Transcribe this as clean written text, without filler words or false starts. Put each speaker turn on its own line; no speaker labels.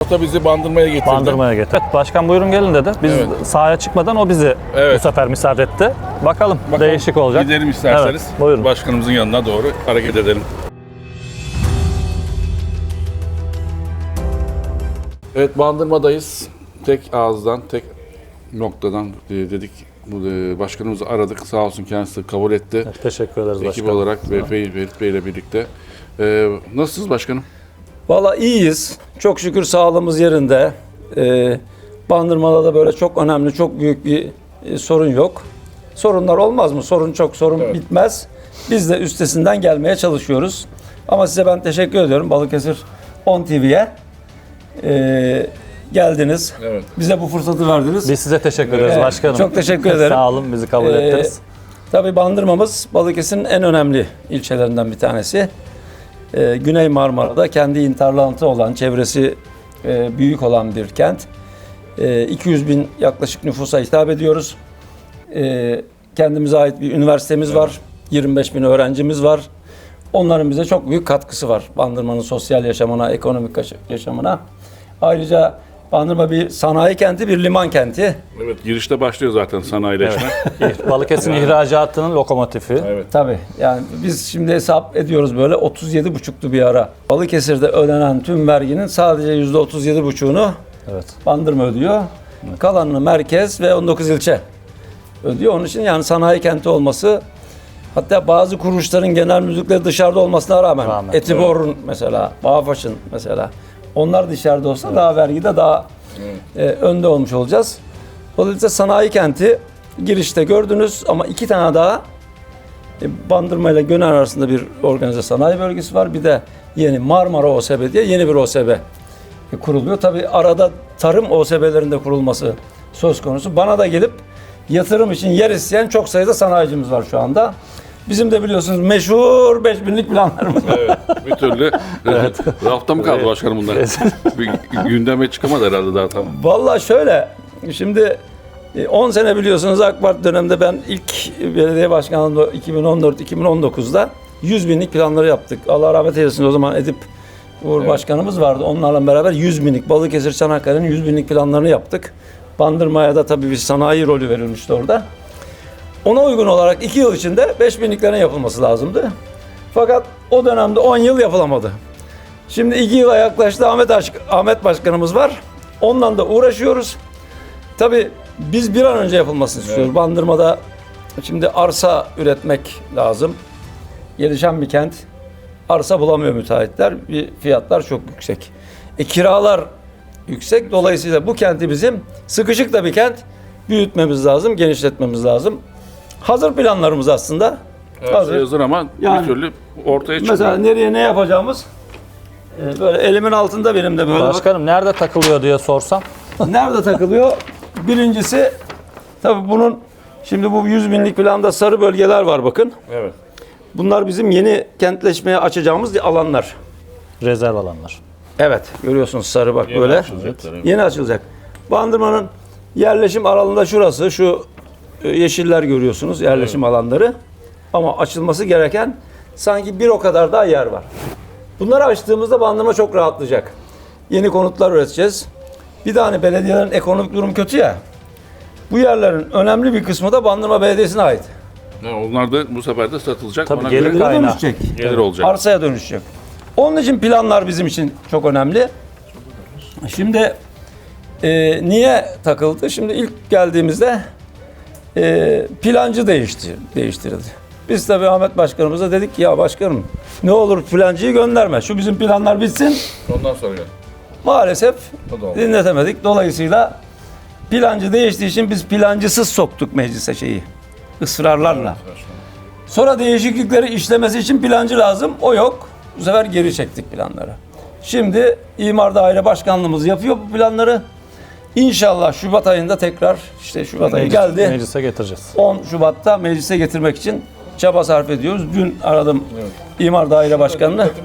hafta bizi Bandırma'ya getirdi.
Bandırma'ya getirdi. Evet, başkan buyurun gelin dedi. Biz sahaya çıkmadan o bizi bu sefer misafir etti. Bakalım değişik olacak.
Gidelim isterseniz.
Evet, buyurun.
Başkanımızın yanına doğru hareket edelim. Evet, Bandırma'dayız. Tek ağızdan, tek noktadan dedik. Başkanımızı aradık. Sağ olsun kendisi kabul etti.
Evet, teşekkür ederiz
Ekip
başkanım.
olarak ve Ferit Bey ile birlikte. Nasılsınız başkanım?
Valla iyiyiz. Çok şükür sağlığımız yerinde. Bandırma'da da böyle çok önemli, çok büyük bir sorun yok. Sorunlar olmaz mı? Sorun çok, sorun bitmez. Biz de üstesinden gelmeye çalışıyoruz. Ama size ben teşekkür ediyorum. Balıkesir 10 TV'ye geldiniz.
Evet.
Bize bu fırsatı verdiniz.
Biz size teşekkür ederiz başkanım.
Çok teşekkür ederim.
Sağ olun, bizi kabul ettiniz.
Tabii Bandırma'mız Balıkesir'in en önemli ilçelerinden bir tanesi. Güney Marmara'da kendi hinterlandı olan, çevresi büyük olan bir kent. 200 bin yaklaşık nüfusa hitap ediyoruz. Kendimize ait bir üniversitemiz var. 25 bin öğrencimiz var. Onların bize çok büyük katkısı var. Bandırma'nın sosyal yaşamına, ekonomik yaşamına. Ayrıca Bandırma bir sanayi kenti, bir liman kenti.
Evet, girişte başlıyor zaten sanayileşme.
Balıkesir'in ihracatının lokomotifi.
Evet.
Tabii yani biz şimdi hesap ediyoruz böyle 37,5'tu bir ara. Balıkesir'de ödenen tüm verginin sadece %37,5'unu Bandırma ödüyor. Kalanını merkez ve 19 ilçe ödüyor. Onun için yani sanayi kenti olması, hatta bazı kuruluşların genel müdürlükleri dışarıda olmasına rağmen Etibor'un mesela, Bağfaş'ın mesela, onlar dışarıda olsa daha vergide daha önde olmuş olacağız. Dolayısıyla sanayi kenti girişte gördünüz ama iki tane daha Bandırma ile Gönen arasında bir organize sanayi bölgesi var. Bir de yeni Marmara OSB diye yeni bir OSB kuruluyor. Tabii arada tarım OSB'lerinde kurulması söz konusu. Bana da gelip yatırım için yer isteyen çok sayıda sanayicimiz var şu anda. Bizim de biliyorsunuz meşhur 5000'lik planlarımız var.
Evet, bir türlü rafta mı kaldı başkanım bunlar? Bir gündeme çıkamadı herhalde daha tam.
Vallahi şöyle, şimdi 10 sene biliyorsunuz AK Parti döneminde ben ilk belediye başkanlığında 2014-2019'da 100 binlik planları yaptık. Allah rahmet eylesin, o zaman Edip Uğur Başkanımız vardı. Onlarla beraber 100 binlik Balıkesir Çanakkale'nin 100 binlik planlarını yaptık. Bandırma'ya da tabii bir sanayi rolü verilmişti orada. Ona uygun olarak 2 yıl içinde 5 binliklerin yapılması lazımdı. Fakat o dönemde 10 yıl yapılamadı. Şimdi 2 yıla yaklaştı, Ahmet Başkanımız var. Ondan da uğraşıyoruz. Tabii biz bir an önce yapılmasını istiyoruz. Bandırma'da şimdi arsa üretmek lazım. Gelişen bir kent. Arsa bulamıyor müteahhitler. Fiyatlar çok yüksek. Kiralar yüksek. Dolayısıyla bu kenti bizim sıkışık da bir kent, büyütmemiz lazım, genişletmemiz lazım. Hazır planlarımız aslında.
Hazır ama bir türlü ortaya çıkıyor.
Mesela nereye ne yapacağımız böyle elimin altında benim de böyle.
Başkanım nerede takılıyor diye sorsam.
Nerede takılıyor? Birincisi tabii bunun şimdi bu 100 binlik planda sarı bölgeler var bakın.
Evet.
Bunlar bizim yeni kentleşmeye açacağımız alanlar.
Rezerv alanlar.
Evet, görüyorsunuz sarı bak
Yeni
böyle.
açılacaklar, evet.
Yeni açılacak. Bandırma'nın yerleşim alanında şurası, şu yeşiller görüyorsunuz, yerleşim alanları. Ama açılması gereken sanki bir o kadar daha yer var. Bunları açtığımızda Bandırma çok rahatlayacak. Yeni konutlar üreteceğiz. Bir de hani belediyelerin ekonomik durum kötü ya. Bu yerlerin önemli bir kısmı da Bandırma Belediyesi'ne ait.
Onlar da bu sefer de satılacak.
Tabii
Ona
gelir
göre
kaynağı.
Dönüşecek.
gelir olacak.
Arsaya dönüşecek. Onun için planlar bizim için çok önemli. Şimdi niye takıldı? Şimdi ilk geldiğimizde plancı değiştirildi. Biz tabii Ahmet Başkanımıza dedik ki ya başkanım ne olur plancıyı gönderme. Şu bizim planlar bitsin.
Ondan sonra gel.
Maalesef
O da oldu.
dinletemedik. Dolayısıyla plancı değiştiği için biz plancısız soktuk meclise şeyi. Israrlarla. Sonra değişiklikleri işlemesi için plancı lazım. O yok. Bu sefer geri çektik planları. Şimdi İmar Daire Başkanlığımız yapıyor bu planları. İnşallah Şubat ayında tekrar işte Şubat ayı geldi.
Meclise getireceğiz.
10 Şubat'ta meclise getirmek için çaba sarf ediyoruz. Dün aradım İmar Daire Başkanı'nı.